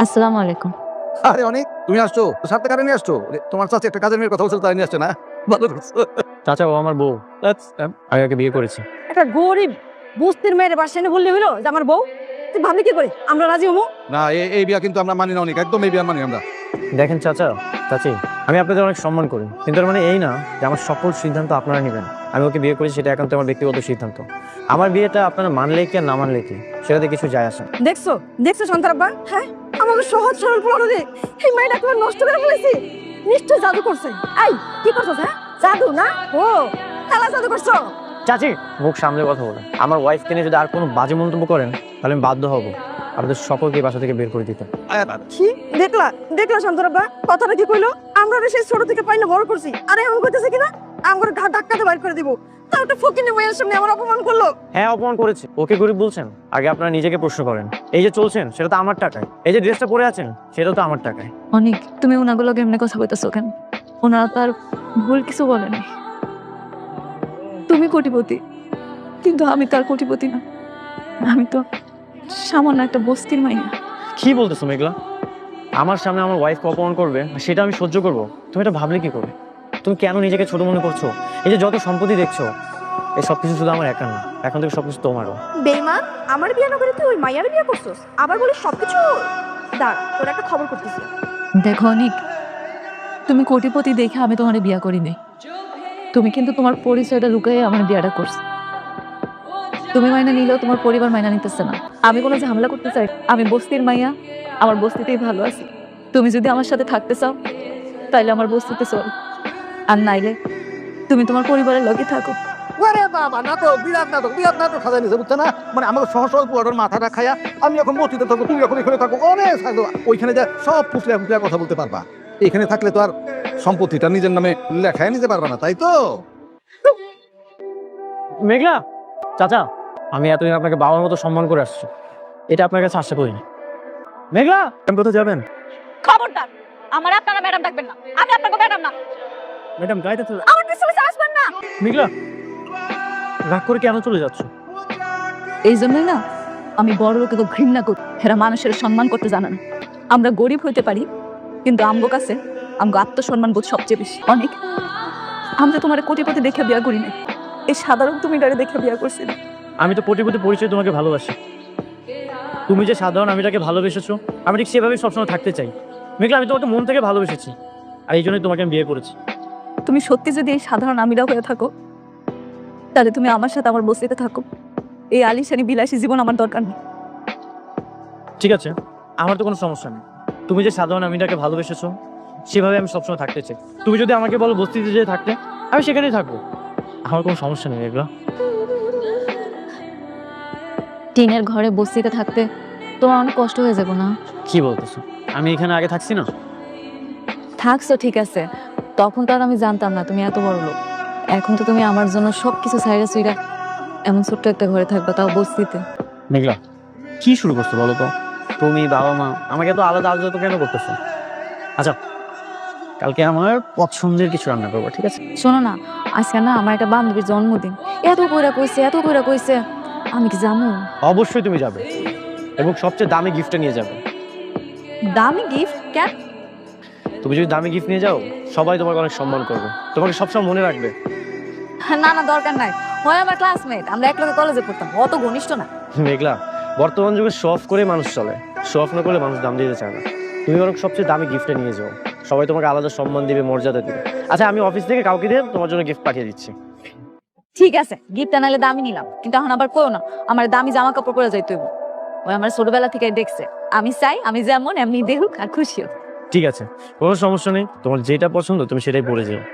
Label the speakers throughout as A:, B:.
A: আসসালামু আলাইকুম।
B: আরে অনেক তুমি আসছো তো সাথে কারে নিয়ে আসছো তোমার চাচি একটা কাজের মেয়ের কথা বলছিল তাই নিয়ে আসছে না ভালো করছো
C: চাচা ও আমার বউ। আমি ওকে বিয়ে করেছি।
D: একটা গরিব বস্তির মেয়ের বাসায় এনে বললে হইলো যে আমার বউ, তুই ভাবলি কি করে আমরা রাজি হবো?
B: না এই বিয়া কিন্তু আমরা মানি না অনেক একদম এই বিয়া মানি আমরা
C: দেখেন চাচা চাচি, আমি আপনাদের অনেক সম্মান করি, কিন্তু তার মানে এই না যে আমার সকল সিদ্ধান্ত আপনারা নেবেন। আমি ওকে বিয়ে করেছি, সেটা একান্ত আমার ব্যক্তিগত সিদ্ধান্ত। আমার বিয়েটা আপনারা মানলে কি আর না মানলে কি, সেটাতে কিছু যায় আসে না।
D: দেখছো দেখছো সন্তারাব্বা, হ্যাঁ আমাকে সহজ সরল পড়ো রে, এই মেয়েটা তোমার নষ্ট করে ফেলেছি। নিশ্চয় জাদু করছে। এই কি করছো? হ্যাঁ জাদু না, ও খেলা জাদু করছো।
C: চাচি মুখ সামলে কথা বলেন। আমার ওয়াইফকে নিয়ে যদি আর কোনো বাজে মন্তব্য করেন তাহলে আমি বাধ্য হব আপনাদের সকলকে বাসা থেকে বের করে দিতে।
D: কি দেখলা দেখলা সন্তারাব্বা, কথাটা কি কইলো? আমরা ওরে সেই ছোট থেকে পাই না বড় করছি, আরে এমন কইতেছে কিনা আমার ঘা ধাক্কাতে বাইর করে দিব। তাও একটা ফকিনি মেয়ের সামনে আমার অপমান করলো।
C: হ্যাঁ অপমান করেছে। ওকে গরিব বলছেন? আগে আপনারা নিজেকে প্রশ্ন করেন। এই যে চলছেন সেটা তো আমার টাকায়, এই যে ড্রেসটা পরে আছেন সেটাও তো আমার টাকায়।
A: অনেক তুমি ওনাগুলো কেমনে কথা বলতেছো কেন? ওনারা তো আর ভুল কিছু বলেনি। তুমি কোটিপতি, কিন্তু আমি তো আর কোটিপতি না। আমি তো সামান্য একটা বস্তির মাইয়া।
C: কি বলতেছো মেঘলা? আমার সামনে আমার ওয়াইফকে অপমান করবে আর সেটা আমি সহ্য করব? তুমি এটা ভাবলে কি করে? তুমি কেন নিজেকে ছোট মনে করছো? এই যে যত সম্পত্তি দেখছো, এই সবকিছু শুধু আমার একার না, এখন থেকে সবকিছু তোমারও।
D: বেইমান, আমার বিয়ে না করে তুই ওই মাইয়ার বিয়ে করছস, আবার বলিস সবকিছু। দাঁড়া, তোর একটা খবর করতেছি।
A: দেখো অনেক, তুমি কোটিপতি দেখে আমি তোমার বিয়া করি নাই। তুমি কিন্তু তোমার পরিচয়টা লুকাই আমার বিয়াটা করছো। তুমি মাইনা নিলেও তোমার পরিবার মাইনা নিতেছে না। আমি কোনো ঝামেলা করতে চাই? আমি বস্তির মাইয়া, আমার বস্তিতেই ভালো আছি। তুমি যদি আমার সাথে থাকতে চাও তাইলে আমার বস্তিতে চল, আর নাইলে তুমি তোমার পরিবারের লগে থাকো।
B: আরে বাবা নাটক বিরাট নাটক সাজাই নিছে বুঝছো না মানে আমাকে সহজ সরল পুরাটোর মাথাটা খায়া আমি এখন মসজিদে থাকবো তুমি এখন এখানে থাকো অনেক থাকবো ওইখানে যা সব ফুসলে ফুসলে কথা বলতে পারবা এখানে থাকলে তো আর সম্পত্তিটা নিজের নামে লেখায় নিতে পারবা না তাই তো
C: মেঘলা চাচা, আমি এতদিন আপনাকে বাবার মতো সম্মান করে আসছি, এটা আপনার কাছে আশা করিনি। মেঘলা আপনি কোথায় যাবেন?
D: খবরদার, আমার আপনারা ম্যাডাম ডাকবেন না, আমি আপনাকে ম্যাডাম না।
C: ম্যাডাম গাড়িতে চলে।
D: আমার পিছনে পিছনে আসবেন না।
C: মেঘলা রাগ করে কেন চলে যাচ্ছ?
A: এই জন্যই না আমি বড় লোকে তো ঘৃণা করি। এরা মানুষের সম্মান করতে জানে না। আমরা গরিব হইতে পারি, কিন্তু আমগো কাছে আমগো আত্মসম্মান বোধ সবচেয়ে বেশি। অনেক আমরা তোমার কোটিপতি দেখে বিয়া করি না, এই সাধারণ তুমি ডারে দেখে বিয়া করছি না।
C: আমি তো কোটিপতি পরিচয় তোমাকে ভালোবাসি। তুমি যে সাধারণ আমি তাকে ভালোবেসেছো, আমি ঠিক সেভাবেই সবসময় থাকতে চাই। মেঘলা আমি তোমাকে মন থেকে ভালোবেসেছি, আর এই জন্যই তোমাকে আমি বিয়ে করেছি।
A: তুমি সত্যি যদি এই সাধারণ আমিরা হয়ে থাকো তাহলে তুমি আমার সাথে আমার বস্তিতে থাকো। এই আলিশানি বিলাসী জীবন আমার দরকার নেই।
C: ঠিক আছে, আমার তো কোনো সমস্যা নেই। তুমি যে সাধারণ আমিটাকে ভালোবেসেছো সেভাবে আমি সবসময় থাকতে চাই। তুমি যদি আমাকে বলো বস্তিতে যেয়ে থাকতে, আমি সেখানেই থাকবো, আমার কোনো সমস্যা নেই। মেঘলা
A: টিনের ঘরে বস্তিতে থাকতে তোমার অনেক কষ্ট হয়ে যাবো না?
C: কি বলতেছো? আমি এখানে আগে থাকছি না?
A: থাকছো ঠিক আছে, তখন তো আর আমি জানতাম না তুমি এত বড় লোক। এখন তো তুমি আমার জন্য সবকিছু সাইরা সুইরা এমন ছোট্ট একটা ঘরে থাকবা, তাও বস্তিতে।
C: মেঘলা কি শুরু করছো বলো তো? তুমি বাবা মা আমাকে তো আলাদা আলাদা কেন করতেছো? আচ্ছা কালকে আমার পছন্দের কিছু রান্না করবো, ঠিক আছে?
A: শোনো না, আজকে না আমার একটা বান্ধবীর জন্মদিন। এত কইরা কইছে, আমি কি জানো?
C: অবশ্যই তুমি যাবে, এবং সবচেয়ে দামি গিফটটা নিয়ে যাবে।
A: দামি গিফট কেন?
C: তুমি যদি দামি গিফট নিয়ে যাও সবাই তোমাকে অনেক সম্মান করবে, তোমাকে সবসময় মনে রাখবে।
A: না না, দরকার নাই। হয় আমার ক্লাসমেট, আমরা একলগে কলেজে পড়তাম, অত ঘনিষ্ঠ না।
C: মেঘলা বর্তমান যুগে শো অফ করে মানুষ চলে, শো অফ না করলে মানুষ দাম দিতে চায় না। তুমি বরং সবচেয়ে দামি গিফটটা নিয়ে যাও, সবাই তোমাকে আলাদা সম্মান দিবে, মর্যাদা দিবে। আচ্ছা আমি অফিস থেকে কাউকে দিয়ে তোমার জন্য গিফট পাঠিয়ে দিচ্ছি।
A: ঠিক আছে, গিফট আনালে দামি নিলাম, কিন্তু এখন আবার কইও না আমার দামি জামা কাপড় পরে যাইতে হইব। ওই আমার ছোটবেলা থেকে দেখছে, আমি চাই আমি যেমন এমনি দেখুক আর খুশি হোক।
C: ঠিক আছে, কোনো সমস্যা নেই, তোমার যেটা পছন্দ তুমি সেটাই পরে যাও।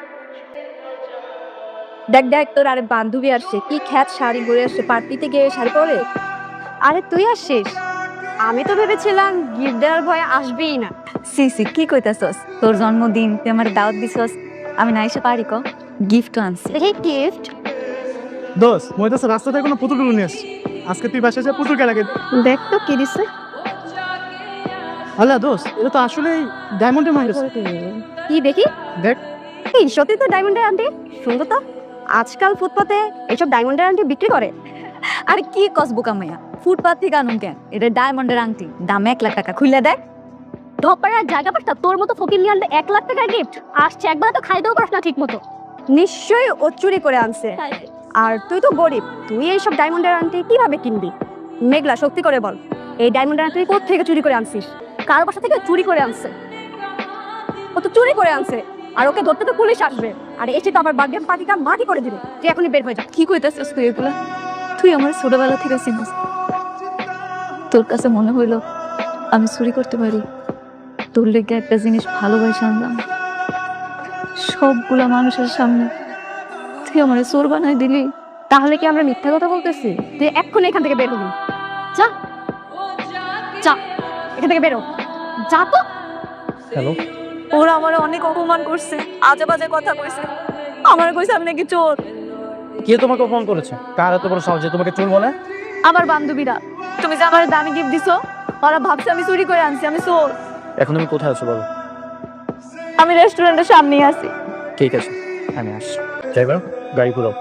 D: দেখ দেখ, তোর আরে বান্ধবী আসছে, কি খ্যাত শাড়ি পরে আসছে, পার্টিতে গিয়ে শাড়ি পরে। আরে তুই আসছিস? আমি তো ভেবেছিলাম গিফট দেওয়ার ভয়ে আসবেই না।
A: সি কি কইতাছস? তোর জন্মদিন, তুই আমার দাওয়াত দিছস, আমি না এসে পারি? গিফট আনছি।
D: গিফট?
E: দোস্ত মই তো রাস্তাতে কোনো পুতুল নিয়ে আসছি, আজকে তুই বাসায় যা পুতুল কে লাগে।
D: দেখ তো কি দিছে।
E: আল্লাহ দোস্ত, এটা তো আসলেই ডায়মন্ডের মাইন্ড।
D: কি দেখি?
E: দেখ।
D: এই সত্যি তো ডায়মন্ডের আন্টি, সুন্দর তো। আজকাল ফুটপাতে এইসব ডায়মন্ডের আন্টি বিক্রি করে।
A: আরে কি কস বোকা মাইয়া, ফুটপাত থেকে আনুন কেন? এটা ডায়মন্ডের আংটি, দাম 1 লাখ টাকা। খুলে দেখ।
F: ধপাড়ার জায়গা পাস না, তোর মতো ফকির নিয়ে আনলে 1 লাখ টাকার গিফট আসছে, একবার তো খাইতেও পারস না ঠিক মতো।
D: নিশ্চয়ই ও চুরি করে আনছে। আর তুই তো গরিব, তুই এইসব ডায়মন্ডের আংটি কিভাবে কিনবি? মেঘলা, সত্যি করে বল, এই ডায়মন্ডের আংটি কোথা থেকে চুরি করে আনছিস?
F: কার বাসা থেকে চুরি করে আনছে?
D: ও তো চুরি করে আনছে, আর ওকে ধরতে তো পুলিশ আসবে, আর এসে তো আমার বার্থডে পার্টিটা মাটি করে দিবে। তুই এখনই বের হয়ে যা।
A: কি কইতাছিস তুই এগুলা? তুই আমার ছোটবেলা থেকে চিনিস। তোর কাছে মনে হইলো আমি চুরি করতে পারি? তোর লেগে একটা জিনিস ভালোবাসা আনলাম, সবগুলা মানুষের সামনে তুই আমার চোর বানাই দিলি।
F: তাহলে কি আমরা মিথ্যা কথা বলতেছি? তুই এক্ষুনি এখান থেকে বের হবি। যা যা, এখান থেকে বেরো, যা তো।
C: হ্যালো,
A: ওরা আমার অনেক অপমান করছে, আজে বাজে কথা কইছে, আমার কইছে আমি নাকি চোর।
C: কে তোমাকে ফোন করেছে? কার এত বড় সাহস যে তোমাকে চোর বলে?
A: আমার বান্ধবীরা, তুমি যে আমার দামি গিফট দিছো, ওরা ভাবছে আমি চুরি করে আনছি, আমি চোর।
C: এখন তুমি কোথায় আছো বলো?
A: আমি রেস্টুরেন্টের সামনেই আছি।
C: ঠিক আছে, আমি আসছি। ড্রাইভার, গাড়ি ঘুরাও।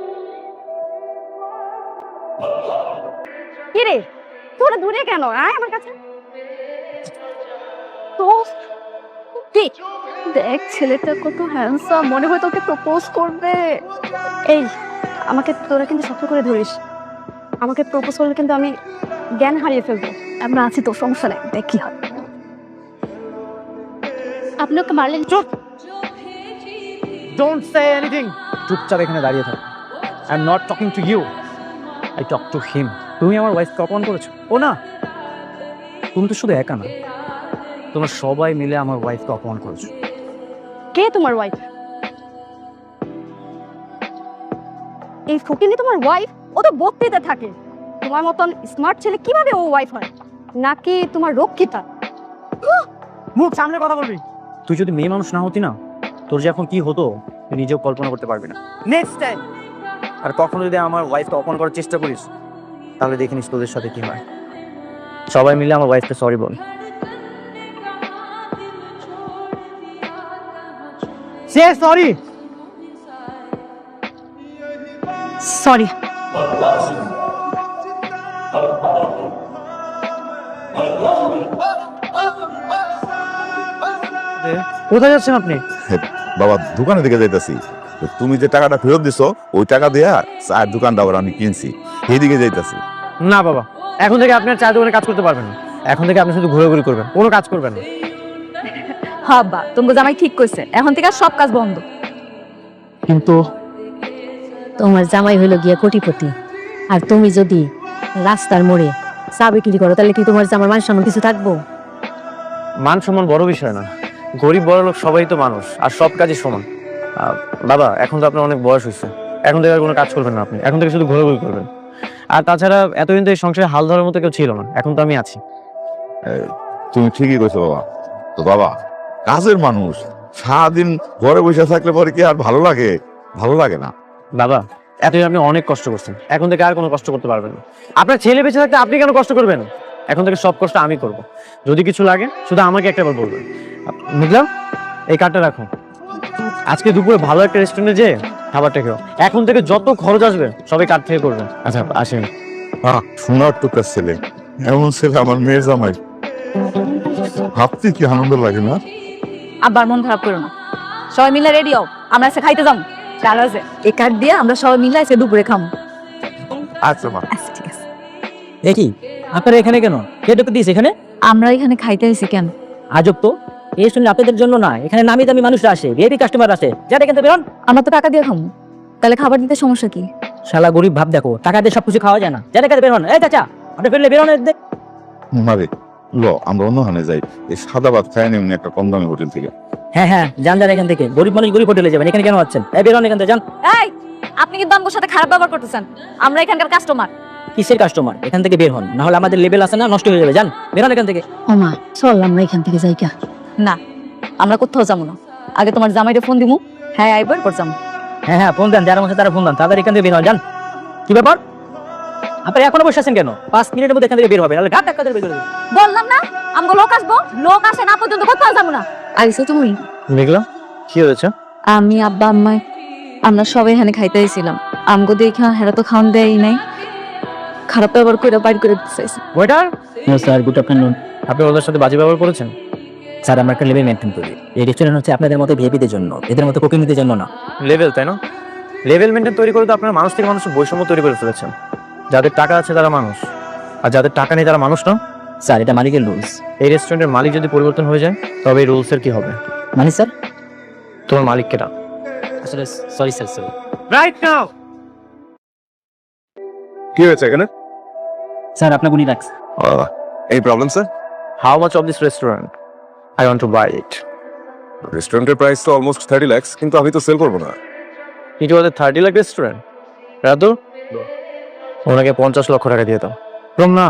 F: কি রে, তোরা দূরে কেন? আয় আমার কাছে। তো কি
A: দেখ ছেলেটা কত হ্যান্ডসাম, মনে হয় তোকে প্রপোজ করবে।
F: এই, আমাকে তোরা কিন্তু শক্ত করে ধরিস। আমাকে প্রপোজ করলে কিন্তু আমি জ্ঞান হারিয়ে ফেলবো।
A: আমরা আছি তো, সমস্যা নেই, দেখ কি হয়।
F: আপনি ওকে মারলেন?
C: চুপ! Don't say anything. চুপচাপ এখানে দাঁড়িয়ে থাকো। I am not talking to you, I talk to him. তুমি আমার ওয়াইফকে অপমান করেছো? ও না, তুমি তো শুধু একা না, তোমরা সবাই মিলে আমার ওয়াইফকে অপমান করেছো।
F: কে তোমার ওয়াইফ? এই ফকিনি তোমার ওয়াইফ? ও তো বক্তৃতা থাকে। তোমার মতন স্মার্ট ছেলে কিভাবে ও ওয়াইফ হয়? নাকি তোমার রক্ষিতা?
C: মুখ সামনে কথা বলবি। তুই যদি মেয়ে মানুষ না হতি না, তোর যে এখন কি হতো তুই নিজেও কল্পনা করতে পারবি না। নেক্সট টাইম আর কখনো যদি আমার ওয়াইফকে অপমান করার চেষ্টা করিস, তাহলে দেখে নিস তোদের সাথে কি হয়। সবাই মিলে আমার ওয়াইফকে সরি বল। সে সরি।
A: সরি।
C: কোথায় যাচ্ছেন আপনি?
G: বাবা দোকানে দিকে যাইতাছি। তুমি যে টাকাটা ফেরত দিছো ওই টাকা দিয়া চায়ের দোকানটা আবার আমি কিনছি, এইদিকে যাইতাছি।
C: না বাবা, এখন থেকে আপনার চায়ের দোকানে কাজ করতে পারবেন না। এখন থেকে আপনি শুধু ঘোরাঘুরি করবেন, কোনো কাজ করবেন না।
A: হ্যাঁ বা, তোমাকে জামাই ঠিক কইছে, এখন থেকে আর সব কাজ বন্ধ।
C: কিন্তু
H: তোমার জামাই হইলো গিয়া কোটিপতি, আর তুমি যদি রাস্তার মোড়ে চা বিক্রি করো, তাহলে কি তোমার জামার মান সম্মান কিছু থাকবো?
C: মান সম্মান বড় বিষয় না, গরিব বড় লোক সবাই তো মানুষ, আর সব কাজই সমান। বাবা, এখন তো আপনার অনেক বয়স হয়েছে, এখন থেকে আর কোনো কাজ করবেন না আপনি, এখন থেকে শুধু ঘোরাঘুরি করবেন। আর তাছাড়া এতদিন তো এই সংসারে হাল ধরার মতো কেউ ছিল না, এখন তো আমি আছি।
G: তুমি ঠিকই কইছো বাবা। তো বাবা কাজের মানুষ সারাদিন ঘরে বসে থাকলে পরে কি আর ভালো লাগে? ভালো লাগে না
C: বাবা, এতদিন আপনি অনেক কষ্ট করছেন, এখন থেকে আর কোনো কষ্ট করতে পারবেন না। আপনার ছেলে বেঁচে থাকতে আপনি কেন কষ্ট করবেন? এখন থেকে সব কষ্ট আমি করব। যদি কিছু লাগে শুধু আমাকে একটাবার বলবেন। বুঝলাম, এই কার্ডটা রাখুন, আজকে দুপুরে ভালো একটা রেস্টুরেন্টে যেয়ে খাবারটা খেও। এখন থেকে যত খরচ আসবে সবাই কার্ড থেকে করবেন। আচ্ছা আসেন।
G: শোনার টুকার ছেলে, এমন ছেলে আমার মেয়ের জামাই, ভাবতে কি আনন্দ লাগে না?
A: আবার মন খারাপ করো না, সবাই মিলে রেডি হও, আমরা আজকে খাইতে যাবো। চাল আছে, এই কার্ড দিয়ে আমরা সবাই মিলে আজকে দুপুরে খাবো।
G: আচ্ছা মা।
A: আচ্ছা ঠিক আছে।
I: দেখি আপনারা এখানে কেন? কে ঢুকে দিয়েছে এখানে?
A: আমরা এখানে খাইতে আইছি কেন?
I: আজব তো, এই শুনলে আপনাদের জন্য না, এখানে নামি দামি মানুষরা আসে, ভিআইপি কাস্টমার আসে। যারা এখান থেকে বেরোন।
A: আমরা তো টাকা দিয়ে খাবো, তাহলে খাবার দিতে সমস্যা কি?
I: শালা গরিব ভাব দেখো, টাকা দিয়ে সবকিছু খাওয়া যায় না। যারা এখানে বেরোন। এই চাচা, আপনি ফেললে বেরোন।
G: মারে ল, আমরা অন্যখানে যাই, এই সাদা ভাত খাই নিমনি একটা কম দামি হোটেল থেকে।
I: হ্যাঁ হ্যাঁ, যান যান এখান থেকে, গরিব মানুষ গরিব হোটেলে যাবেন, এখানে কেন আছেন? এই বেরোন এখান থেকে, যান।
A: এই, আপনি কিন্তু আমার সাথে খারাপ ব্যবহার করতেছেন, আমরা এখানকার কাস্টমার।
I: কিসের কাস্টমার? এখান থেকে বের হন, না হলে আমাদের লেভেল আছে না, নষ্ট হয়ে যাবে। যান, বেরোন এখান থেকে।
H: ওমা চল আমরা এখান থেকে যাই কা।
A: না, আমরা কোথাও যাবো না, আগে তোমার জামাইটা ফোন দিমু, হ্যাঁ আইবার পর যাবো।
I: হ্যাঁ হ্যাঁ, ফোন দেন, যারা মধ্যে তারা ফোন দেন, তাদের এখান থেকে বের হন। যান। কি ব্যাপার, আপনারা এখনো বসে আছেন কেন? 5 মিনিটের মধ্যে এখান থেকে বের হবে, নাহলে ঘাট ধাক্কা দিয়ে বের করে দেব।
A: বললাম না, আমগো লোক আসবো, লোক আসে না পর্যন্ত কোথাও যাবো না। আইছো তুমি?
C: মেঘলা, কি হয়েছে?
A: আমি আব্বা আম্মাই আমরা সবাই এখানে খাইতে আইছিলাম, আমগো দেখা হেরা তো খাওয়ান দেয় নাই, খারাপ ব্যবহার করে বাইর করে দিতে চাইছে।
C: Waiter,
I: sir good afternoon.
C: আপনি ওদের সাথে বাজে ব্যবহার করেছেন?
I: স্যার আমরা একটা লেভেল মেনটেন করি। এই রেস্টুরেন্ট হচ্ছে আপনাদের মতো ভিআইপিদের জন্য, এদের মতো কুকিংদের জন্য না।
C: লেভেল, তাই না? লেভেল মেনটেন তৈরি করে তো আপনারা মানুষ থেকে মানুষের বৈষম্য তৈরি করে ফেলেছেন। যাদের টাকা আছে তারা মানুষ, আর যাদের টাকা নেই তারা মানুষ না।
I: স্যার এটা মালিকের রুলস।
C: এই রেস্টুরেন্টের মালিক যদি পরিবর্তন হয়ে যায় তবে এই রুলসের কি হবে?
I: মানে স্যার
C: তোমার মালিক কেটা?
I: আসলে sorry sir sorry.
C: Right now.
J: কি হয়েছে এখানে?
I: স্যার আপনার উনি রাখছে।
J: এই problem sir?
C: How much of this restaurant? I want to buy it.
J: রেস্টুরেন্টের প্রাইস তো অলমোস্ট 30 লাখ, কিন্তু আমি তো সেল করবো না।
C: It was a 30 lakh restaurant. Radhu, ওনাকে 50 লক্ষ টাকা দিয়ে দাও। না